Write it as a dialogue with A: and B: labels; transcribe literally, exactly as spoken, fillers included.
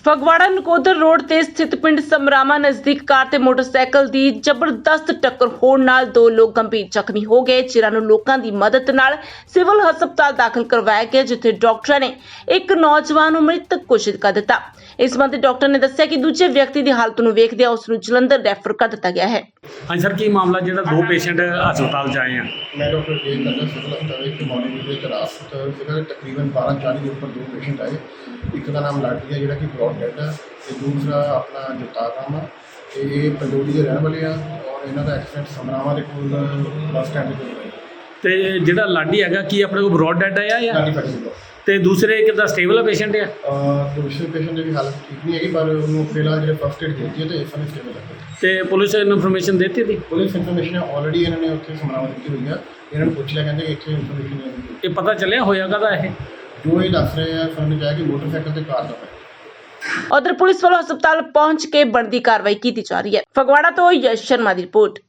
A: Phagwara Nakodar road ਤੇ ਸਥਿਤ ਪਿੰਡ ਸਮਰਾਮਾ ਨਜ਼ਦੀਕ ਕਾਰ ਤੇ ਮੋਟਰਸਾਈਕਲ ਦੀ ਜ਼ਬਰਦਸਤ ਟੱਕਰ ਹੋਣ ਨਾਲ ਦੋ ਲੋਕ ਗੰਭੀਰ ਜ਼ਖਮੀ ਹੋ ਗਏ, ਜਿਨ੍ਹਾਂ ਨੂੰ ਲੋਕਾਂ ਦੀ ਮਦਦ ਨਾਲ ਸਿਵਲ ਹਸਪਤਾਲ ਦਾਖਲ ਕਰਵਾਇਆ ਗਿਆ, ਜਿੱਥੇ ਡਾਕਟਰਾਂ ਨੇ ਇੱਕ ਨੌਜਵਾਨ ਨੂੰ ਮ੍ਰਿਤਕ ਘੋਸ਼ਿਤ ਕਰ ਦਿੱਤਾ। ਇਸ ਸੰਬੰਧੀ ਡਾਕਟਰ ਨੇ ਦੱਸਿਆ ਕਿ ਦੂਜੇ ਵਿਅਕਤੀ ਦੀ ਹਾਲਤ ਨੂੰ ਵੇਖਦਿਆਂ ਉਸ ਨੂੰ ਜਲੰਧਰ ਰੈਫਰ ਕਰ ਦਿੱਤਾ ਗਿਆ ਹੈ।
B: ਹਾਂਜੀ ਸਰ, ਕੀ ਮਾਮਲਾ ਜਿਹੜਾ ਦੋ ਪੇਸ਼ੈਂਟ ਹਸਪਤਾਲ 'ਚ ਆਏ ਆ?
C: मैं डॉक्टर जे करदा सिविल हस्पताल एक मॉर्निंग में रात ਸੀਗਾ तकरीबन बारह चालीस के ऊपर दो पेशेंट आए। एक का नाम लाठी है जिहड़ा कि ब्रॉड डेड है ते दूसरा अपना जगतार राम है ते ये पंडोली के रहने वाले आ और इन्हों का एक्सीडेंट समरावा के कोल बस स्टैंड ते होया।
B: ਤੇ ਜਿਹੜਾ ਲਾਡੀ ਹੈਗਾ ਕੀ ਆਪਣੇ ਕੋਲ ਬ੍ਰੌਡ ਡੈਡ ਆਇਆ ਜਾਂ
C: नानी फटी हुआ
B: ਤੇ ਦੂਸਰੇ ਕਿੱਦਾਂ ਸਟੇਬਲ ਆ ਪੇਸ਼ੈਂਟ ਆ?
C: दूसरे पेशेंट की हालत ठीक नहीं है पर उन्होंने फिलहाल जो फर्स्ट एड देती है तो इस समय स्टेबल है।
B: ਤੇ ਪੁਲਿਸ ਨੂੰ ਇਨਫੋਰਮੇਸ਼ਨ ਦਿੱਤੀ ਸੀ?
C: पुलिस इन्फॉर्मेशन ऑलरेडी इन्होंने उत्थे समरावा दी हुई है। इन्होंने पूछ लिया कहते इतने इन्फॉर्मेशन नहीं
B: ਇਹ ਪਤਾ ਚੱਲਿਆ ਹੋਇਆ ਕਦਾ ਇਹ?
C: जो ये दस रहे हैं समझ जाए कि मोटरसाइकिल से कार का है।
A: ਉਧਰ ਪੁਲਿਸ ਵੱਲੋਂ ਹਸਪਤਾਲ ਪਹੁੰਚ ਕੇ ਬਣਦੀ ਕਾਰਵਾਈ ਕੀਤੀ ਜਾ ਰਹੀ ਹੈ। ਫਗਵਾੜਾ ਤੋਂ ਯਸ਼ ਸ਼ਰਮਾ ਦੀ ਰਿਪੋਰਟ।